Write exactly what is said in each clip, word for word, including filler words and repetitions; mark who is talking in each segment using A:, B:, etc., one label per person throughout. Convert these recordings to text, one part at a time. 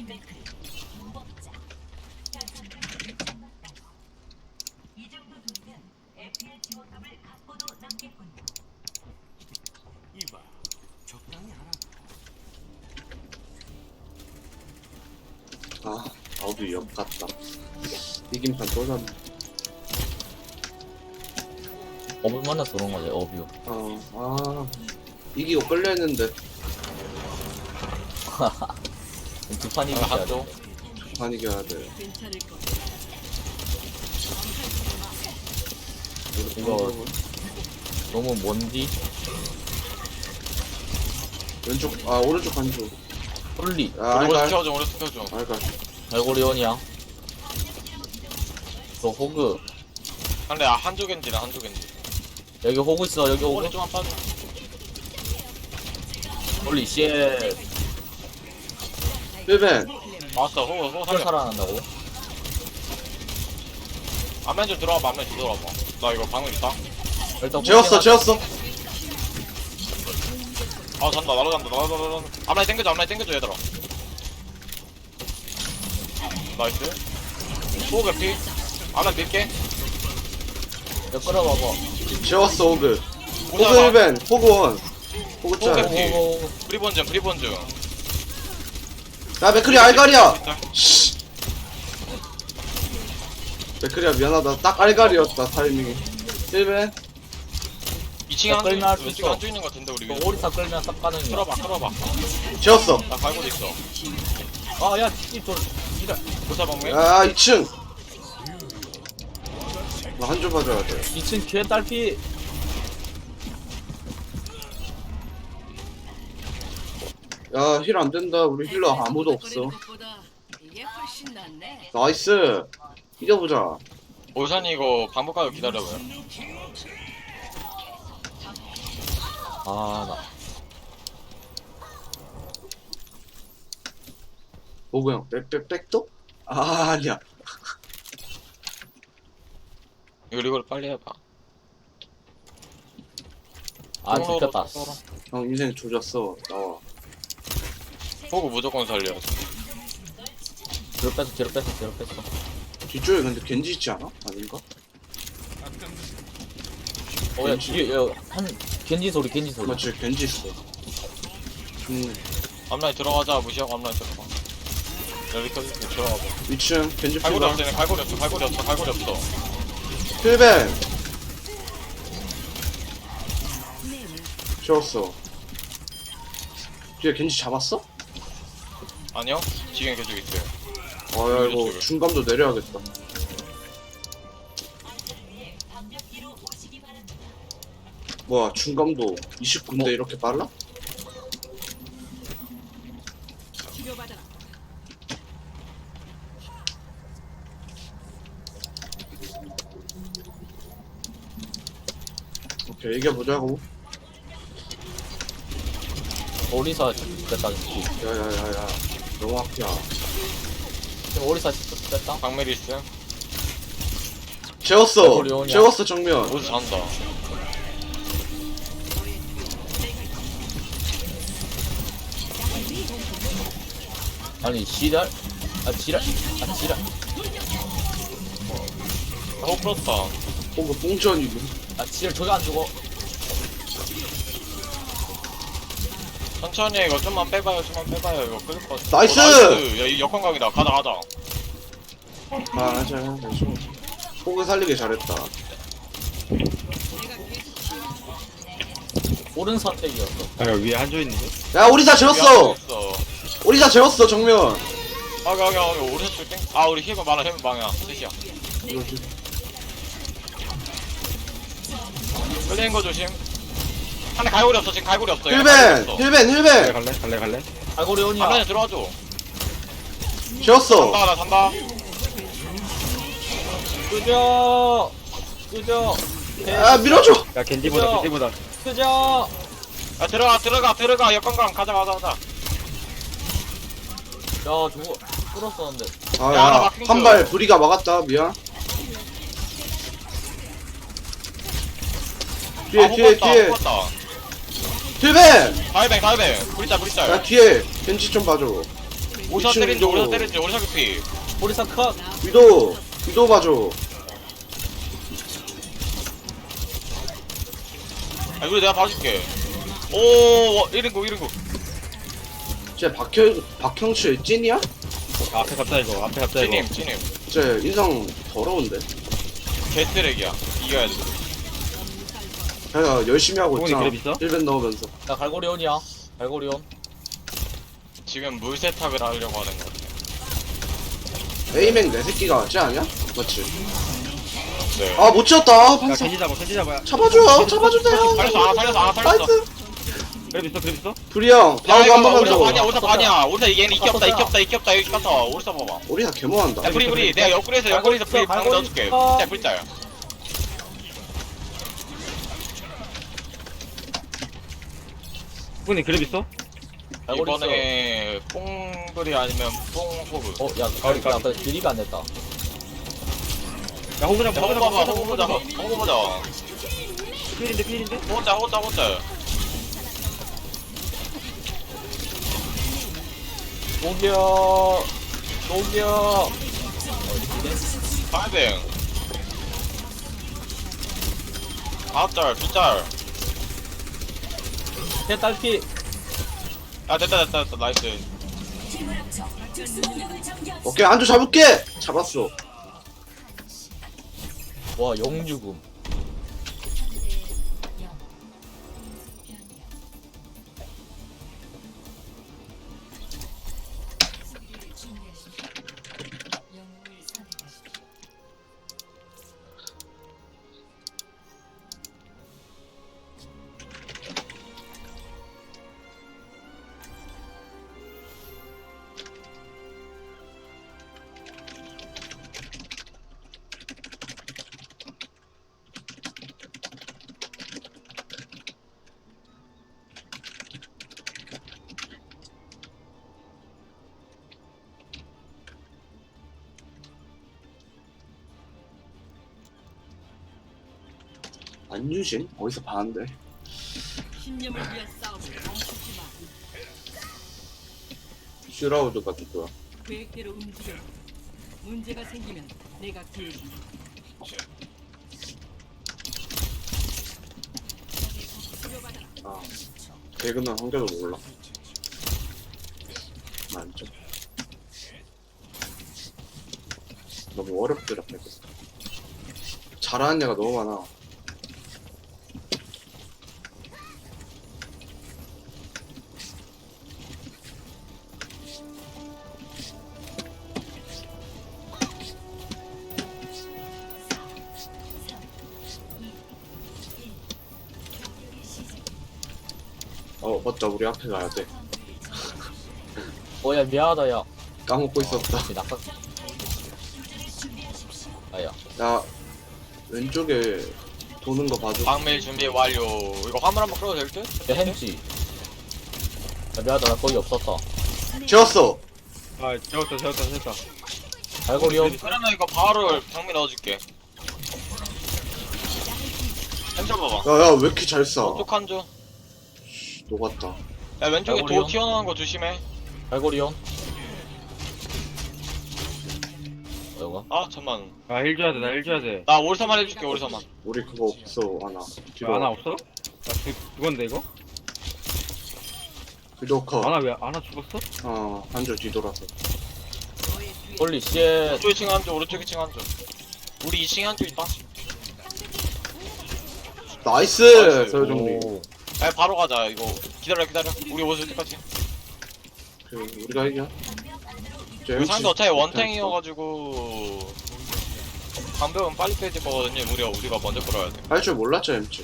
A: 이봐, 적당히 하라.
B: 아, 나도 역 같다. 이김판 또 졌네.
C: 업을 만나서 그런 거지, 업이요.
B: 어, 아, 이기고 끌려했는데
C: 두 판이
D: 아,
C: 이겨야
D: 한쪽.
C: 돼.
B: 반 이겨야 돼.
C: 이거 너무 먼디?
B: 왼쪽, 아 오른쪽 한쪽.
C: 홀리,
B: 아,
D: 우리
B: 알갈,
D: 키워줘, 우리 키워줘.
B: 알갈.
C: 갈고리온이야. 저 호그.
D: 근데 아, 한쪽 겐지네, 한쪽 겐지.
C: 여기 호그 있어, 여기 호그.
D: 오래 좀만 빠져.
C: 홀리, 쉣.
B: 필벤,
D: 맞았어, 호호, 호호
C: 헐
D: 살려.
C: 살아난다고?
D: 앞면 좀 들어와봐, 앞면 좀 들어와봐. 나 이거 방금 있다.
C: 일단
B: 재웠어,
C: 호그가-
B: 재웠어.
D: 아, 잔다, 날아간다, 날아간다. 앞라인 땡겨줘, 앞라인 땡겨줘, 얘들아. 나이스. 호호 개피. 앞라인 밀게.
C: 야, 끌어봐봐.
B: 재웠어, 호그. 호그
D: 오자마.
B: 필벤, 호그 원. 호그
D: 호그
B: 짤.
D: 필. 오케이.
C: 호그,
D: 프리본즈, 프리본즈.
B: 야, 맥크리 알갈이야.
D: 진짜.
B: 씨. 맥크리야 미안하다. 딱 알갈이었다 타이밍이. 필벤.
D: 이 층에
C: 야,
D: 한쪽
C: 끌면 할수
D: 왼쪽에
C: 있어.
D: 한쪽 있는 거 같은데 우리 위에.
C: 호그. 오리사 끌면 싹 가는 거야.
D: 끌어봐, 끌어봐.
B: 재웠어.
D: 나 갈고도 있어.
C: 아, 야, 이 저, 이라.
D: 보사 방매.
B: 야, 이 층. 나 한 줄 봐줘야 돼.
C: 이 층 개 딸피.
B: 야, 힐 안 된다. 우리 힐러 아무도 없어.
E: 이게 훨씬 낫네.
B: 나이스. 이겨보자.
D: 오산이 이거 반복하고 기다려봐요.
C: 아, 나.
B: 호그 형, 백, 백, 백도? 아, 아니야.
D: 이거 이걸 빨리 해봐.
C: 아, 들켰다.
B: 형 인생 조졌어. 나와.
D: 호구 무조건 살려야지.
C: 뒤로 뺐어, 뒤로 뺐어, 뒤로 뺐어.
B: 뒤쪽에 근데 겐지 있지 않아? 아닌가?
C: 어, 야, 뒤에, 야, 한, 겐지 소리, 겐지 소리.
B: 맞지, 겐지 있어. 음,
D: 앞라인 들어가자. 무시하고 앞라인 들어가. 여기 켜줄게. 들어가봐.
B: 이 층 겐지
D: 갈고리
B: 필벤.
D: 없어. 얘네 갈고리 없어. 갈고리 없어. 갈고리 없어.
B: 필벤. 재웠어. 뒤에 겐지 잡았어?
D: 아니요. 지금 계속 있어요.
B: 아, 야, 이거 중감도 내려야겠다. 뭐야, 중감도 이십구 인데 이렇게 빨라?
E: 치료받아라.
B: 오케이, 이겨보자고.
C: 오리사 뺐다, 지
B: 야야야야, 너무 앞이야.
C: 지금 오리사 뺐다?
D: 박메리스.
B: 재웠어.
C: 갈고리 오냐?
B: 재웠어 정면.
D: 어디서 잔다.
C: 아니, 지랄? 아, 지랄? 아, 지랄?
D: 호구 풀었다.
B: 호그 뽕전이고.
C: 아, 지랄, 저기 안 죽어.
D: 천천히 해. 이거 좀만 빼봐요. 좀만 빼봐요. 이거 끌릴 것 같아.
B: 나이스!
D: 어, 나이스! 야, 이 역광각이다. 가자, 가자.
B: 아, 맞아. 호그 살리기 잘했다.
C: 옳은 선택이었어.
F: 아, 여기 위에 한조 있는데?
B: 야, 오리사 재웠어.
D: 있어.
B: 오리사 재웠어 정면.
D: 아, 가, 가, 우리 오른쪽 땡. 아, 우리 힘은 많아. 힘은 많아. 셋이야.
B: 이거지.
D: 끌리는 거 조심. 하나 갈고리 없어. 지금 갈고리 없어. 얘
B: 힐벤,
D: 갈고리 없어.
B: 힐벤,
F: 갈래,
B: 힐벤.
F: 갈래? 갈래, 갈래?
C: 갈고리 온이야.
D: 앞라인 들어와줘.
B: 재웠어.
D: 산다, 나 산다.
C: 끄져! 끄져!
B: 아, 밀어줘.
F: 야, 겐지보다,
C: 그죠?
F: 겐지보다.
C: 끄져!
D: 야, 들어가, 들어가, 들어가. 역광각 가자, 가자, 가자.
C: 야, 저거, 끌었었는데.
B: 아,
D: 야, 나
B: 야,
D: 막힌
B: 한 발 부리가 막았다. 미안. 뒤에,
D: 아,
B: 뒤에,
D: 호구었다,
B: 뒤에.
D: 호구었다.
B: 힐벤.
D: 다이뱅, 다이뱅. 브리짤, 브리짤.
B: 야, 뒤에 겐지 좀 봐줘.
D: 오리사
B: 이층
D: 때린지 오리사
B: 위도.
D: 때린지 오리사 개피.
C: 오리사 컷.
B: 위도 위도 봐줘.
D: 아 이거 내가 봐줄게. 오 이른구 이른구.
B: 쟤 박형 박형치 찐이야?
F: 아, 앞에 갑자 이거 앞에 갑자 이거
D: 찌님 찌님.
B: 쟤 인상 더러운데.
D: 개쓰레기야. 이겨야 돼.
B: 걔가 열심히 하고
F: 형이
B: 있잖아.
F: 그랩 있어?
B: 일 벤 넣으면서.
C: 나 갈고리온이야. 갈고리온.
D: 지금 물 세탁을 하려고 하는 거 같아.
B: 에이맥 내 새끼가 쟤 아니야? 맞지?
D: 네.
B: 아 못 지었다.
F: 야
B: 반사.
F: 겐지 잡아 겐지 잡아
B: 잡아줘. 잡아주세요.
D: 살렸어 아 살렸어 아 살렸어.
B: 나이스.
F: 그랩 있어 그랩 있어?
B: 불이 형.
D: 야
B: 방금
D: 이거
B: 한 번만
D: 오리사
B: 더.
D: 반이야 오리사 반이야. 오리사 얘는 이기 없다 이기 없다 이기 없다 이기 없다. 오리사 봐봐.
B: 우리 다 개모한다.
D: 야 브리 브리 내가 옆구리에서 옆구리에서 브리 방
C: 갈고리
D: 넣어줄게.
C: 있어.
D: 자 브리짜야.
F: 형님 그랩 있어?
C: 갈고리 있어.
D: 이번에 뽕브리 아니면 뽕호그.
C: 어, 야, 가오리 나 아까 딜리가 안 됐다.
F: 야 호구 잡아
D: 호그
F: 호구
D: 봐봐
F: 잡아
D: 호그 보자 호그 보자.
F: 필인데 필인데?
D: 호자 호자 호자.
C: 녹여. 녹여.
D: 파이빙. 아홉 짤, 두 짤.
C: 제 딸피.
D: 아 됐다 됐다 됐다 나이스.
B: 오케이 안주 잡을게. 잡았어.
C: 와, 영유금.
B: 안유진 어디서 봤는데?
E: 신념을 위한 싸움을 멈추지 마.
B: 슈라우드가 누구야?
E: 계획대로 움직여. 문제가 생기면 내가 기회지. 치료받아라.
B: 아 개그는 한 개도 몰라. 만점. 너무 어렵더라 개그. 잘하는 애가 너무 많아. 어 맞다 우리 앞에 가야 돼.
C: 어, 야, 미안하다, 야.
B: 까먹고 있었다.
C: 혹시 낙하. 아, 야.
B: 야 왼쪽에 도는 거 봐줘.
D: 방밀 준비 완료. 이거 화물 한번 끌어도 될 듯?
C: 야, 햄찌. 야, 미안하다, 나 거기 없었다.
B: 지웠어.
F: 아 재웠다 재웠다 재웠다
C: 갈고리온.
D: 그러면 이거 바로 방밀 넣어줄게. 햄쳐 봐봐.
B: 야야 왜 이렇게 잘 쏴?
D: 오쪽 한 줄.
B: 녹았다.
D: 야 왼쪽에
C: 아이고리요.
D: 도 튀어나오는 거 조심해.
C: 갈고리온. 뭐야?
D: 아 잠만.
F: 아힐 줘야 돼나 힐 줘야 돼
D: 나 오리사만 해줄게 오리사만.
B: 우리 그거 없어 하나. 뒤로
F: 아나 없어? 나 죽, 죽었는데 이거?
B: 뒤로 커.
F: 아나 왜 아나 죽었어?
B: 어 한줄 뒤돌아서.
E: 너의 뒤에
C: 홀리 쉣.
D: 오른쪽 이 층 한 줄, 오른쪽 이 층 한 줄. 우리 이 층에 한 줄 있다.
B: 나이스
D: 나이스.
B: 서효정님.
C: 오.
D: 야 바로 가자 이거. 기다려 기다려. 우리 오실 때까지.
B: 그 우리가 이겨.
D: 우리 상대 어차피 원탱이어가지고 방벽은 빨리 빼질 거거든요. 우리가 우리가 먼저 끌어야 돼.
B: 할줄 몰랐죠 엠치.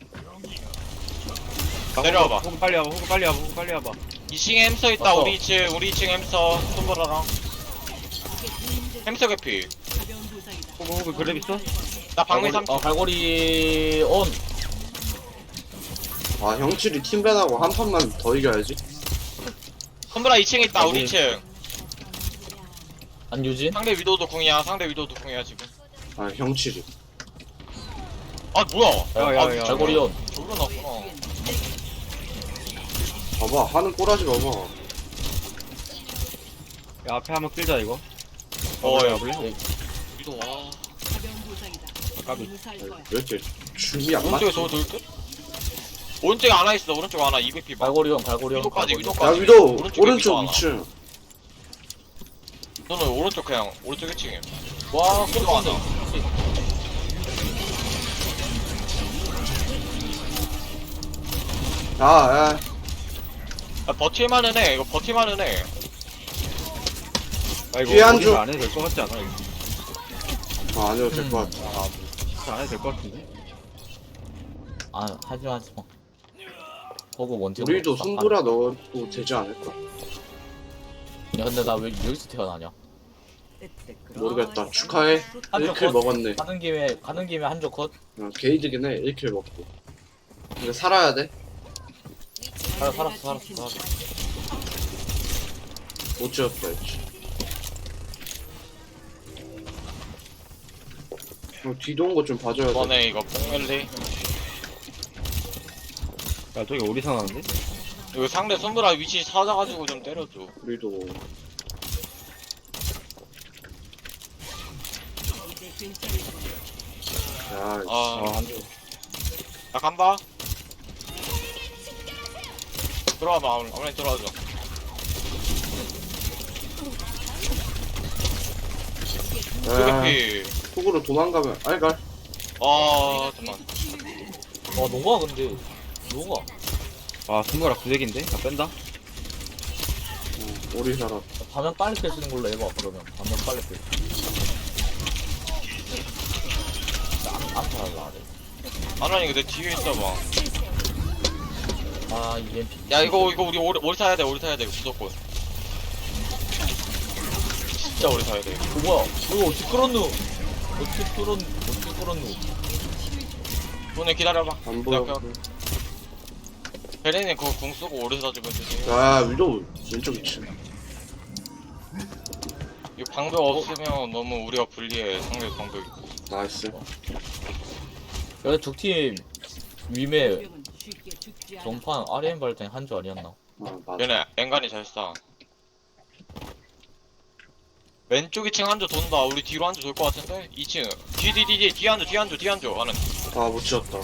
F: 아,
D: 내려와봐.
F: 호구, 호구 빨리 와봐 호구 빨리 와봐 호구 빨리 와봐
D: 이 층에 햄스터 있다.
C: 왔어.
D: 우리 이 층 우리 이 층 햄스터 손보라랑 햄스터 개피.
E: 가벼운 부상이다.
F: 호구 호구 그랩 있어?
D: 나 방밀
C: 갈고리,
D: 삼 초.
C: 어, 갈고리 온.
B: 아 형칠이 팀밴하고 한 판만 더 이겨야지.
D: 손보라 이 층에 있다. 우리 이 층.
C: 안유진.
D: 상대 위도도 궁이야. 상대 위도도 궁이야 지금.
B: 아 형칠이.
D: 아 뭐야?
F: 야, 야,
D: 아,
F: 야.
D: 저걸로
C: 갈고리온.
D: 저걸로 나왔구나.
B: 봐봐 하는 꼬라지 봐봐.
F: 야, 앞에 한번 끌자 이거.
D: 어, 야,
F: 볼래?
D: 위도 와.
E: 가벼운 부상이다.
F: 까비.
E: 무사할 거야.
B: 왜 이렇게 춤이 안 맞지?
D: 오른쪽에 저거 돌 듯? 오른쪽에 하나 있어. 오른쪽에 하나 이백 피 봐.
C: 갈고리형 갈고리형
D: 위도까지
B: 야
D: 위도까지.
B: 위도
D: 오른쪽에
B: 오른쪽
D: 위도 하나.
B: 이 층.
D: 너는 오른쪽 그냥 오른쪽 일 층에.
C: 와
D: 위도 하나.
B: 아, 야.
D: 야, 버틸만은 해. 이거 버틸만은 해.
F: 아 이거
B: 뒤에 한
F: 어디서
B: 줄.
F: 안 해도 될 것 같지 않아? 이거?
B: 아, 안 해도 될 것 같아.
F: 아, 뭐, 안 해도 될 것 같은데?
C: 아 하지마 하지마 보고 원팀
B: 우리도 손보라 넣어도 되지 않을까?
C: 야 근데 나 왜 여기서 태어나냐
B: 모르겠다. 축하해.
C: 한쪽
B: 일 킬
C: 컷.
B: 먹었네.
C: 가는 김에 가는 김에 한쪽 컷
B: 어, 게이드긴 해. 일 킬 먹고. 근데 살아야 돼.
C: 살아 살았어 살았어 살았어
B: 못 지었다, 이제. 어, 뒤도 온 거 좀 봐줘야 돼.
D: 이번에 이거 뽕멜리.
F: 야 저기 오리사 나는데?
D: 이거 상대 손브라 위치 찾아가지고 좀 때려줘.
B: 우리도.
E: 이제 괜찮을 거야.
B: 야,
D: 아,
F: 아 한줄
D: 나 간다. 들어와봐. 아무리 들어와줘.
B: 야,
D: 피.
B: 속으로 도망가면 알갈.
D: 아, 잠만.
C: 와 녹아 근데 녹아
F: 아 스무라 구색인데? 나 뺀다?
B: 어, 우리 살아.
C: 반면 빨리 펴시는 걸로 해봐 그러면 반면 빨리 펴 안 살아라
D: 아나니 내 뒤에 있어봐.
C: 아 이엠피
D: 야, 이거, 이거 우리 오리, 오리 사야 돼. 오리 사야 돼. 무조건. 진짜 오리 사야 돼.
C: 어 뭐야 이거 어떻게 끌었누 어떻게 끌었 어떻게 끌었누
D: 손에 기다려봐.
B: 안 보여.
D: 야, 그, 베레님 그거 궁 쓰고 오리 사주면 되지.
B: 야, 위도 왼쪽 이 층.
D: 이 방벽 없으면 너무 우리가 불리해. 상대 방벽 있고.
B: 나이스.
C: 여기 적팀 위메
E: 병은 쉽게 죽지 않아.
C: 전판 아르엠 발전이 한 줄 아니었나
B: 아, 맞아.
D: 얘네 앵간이 잘 쏴. 왼쪽 이 층 한조 돈다. 우리 뒤로 한조 돌 것 같은데? 이 층. 뒤, 뒤, 뒤, 뒤, 뒤 한조, 뒤 한조, 뒤 한조. 하는.
B: 아, 못 지었다.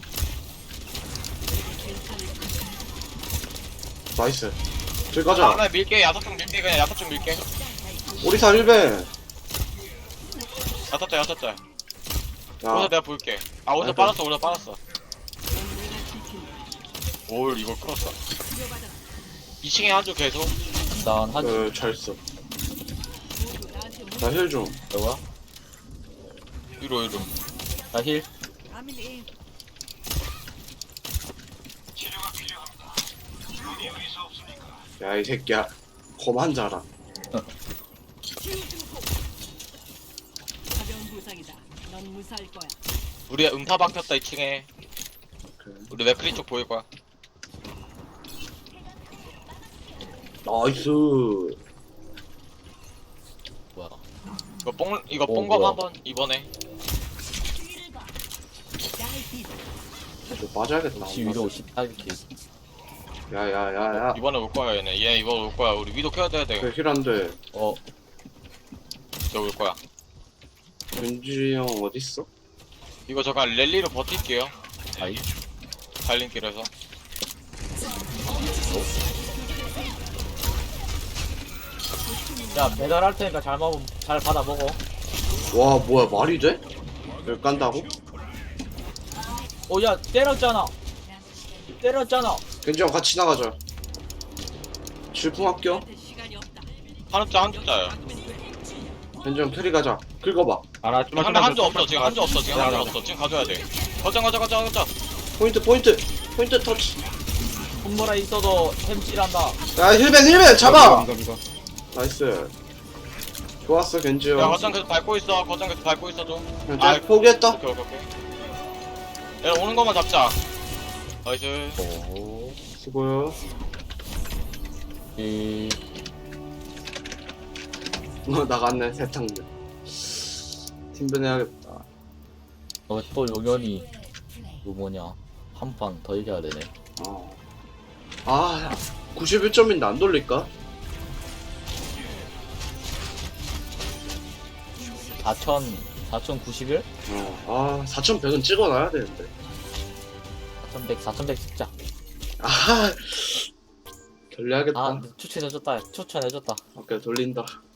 B: 나이스. 저기 가자.
D: 하나 밀게. 야섯 쪽 밀게. 그냥 야섯 쪽 밀게.
B: 오리사 일 배.
D: 야섯 자, 야섯 자.
B: 야,
D: 오서 내가 볼게. 아, 오서
B: 아이고.
D: 빠졌어, 오서 빠졌어.
E: 내가 지킨다.
D: 올, 이걸 끌었어. 이 층에 한조 계속.
C: 난 하지
B: 그, 잘 써.
E: 모두 나한테 문-
B: 나 힐 좀.
C: 뭐야
D: 위로, 위로.
C: 나힐
E: 아밀리.
B: 야, 이 새끼야. 거만 자라.
E: 가벼운 부상이다. 넌 무사할 거야.
D: 우리 음파 박혔다, 이 층에.
B: 그래.
D: 우리 맥크리 쪽 보일 거야.
B: 나이스.
C: 뭐야
D: 이거 뽕, 이거
C: 어,
D: 뽕검
C: 뭐야.
D: 한번, 이번에.
B: 저 빠져야겠다.
C: 시 위로 십팔 킬
B: 야, 야, 야, 야.
D: 이번에 올 거야, 얘네. 얘 이번 올 거야. 우리 위도 켜야 돼, 돼.
B: 그 힐 안 돼.
C: 어
D: 저 올 거야.
B: 윤지 형 어딨어?
D: 이거 잠깐 랠리로 버틸게요.
C: 아이
D: 달림길에서.
C: 야 배달할 테니까 잘 먹어 잘 받아 먹어
B: 와, 뭐야, 말이 돼? 여기 깐다고?
C: 어야 때렸잖아 때렸잖아
B: 겐지 형 같이 나가자. 질풍 합격.
E: 나한테 시간이 없다.
D: 한자 한자야.
B: 겐지 형 캐리 가자. 긁어봐.
F: 알아 좀만
D: 한자 한자 없어. 지금 한자 없어. 지금 한자 없어. 지금 가져야 돼. 가자 가자 가자 가자.
B: 포인트, 포인트. 포인트 터치.
C: 손모라 있어도 햄질한다
B: 야, 힐벤, 힐벤! 잡아!
F: 이거 이거
B: 나이스. 좋았어, 겐지
D: 야
B: 형.
D: 거장 계속 밟고 있어. 거장 계속 밟고 있어 좀.
B: 그냥
D: 아,
B: 쟤 포기했다.
D: 오케이 오케이 오케이. 얘 오는 것만 잡자. 나이스.
C: 오
B: 수고요.
C: 이
B: 어, 나갔네, 세탕들. 팀변 해야겠다.
C: 어, 또 용연이 그 뭐냐 한 판 더 이겨야 되네
B: 어. 아, 구십일 점인데 안 돌릴까?
C: 사천 사천구십일?
B: 어, 아 사천백은 찍어놔야 되는데.
C: 사천백 사천백 찍자.
B: 아 결례하겠다.
C: 아 추천해줬다 추천해줬다.
B: 오케이 돌린다.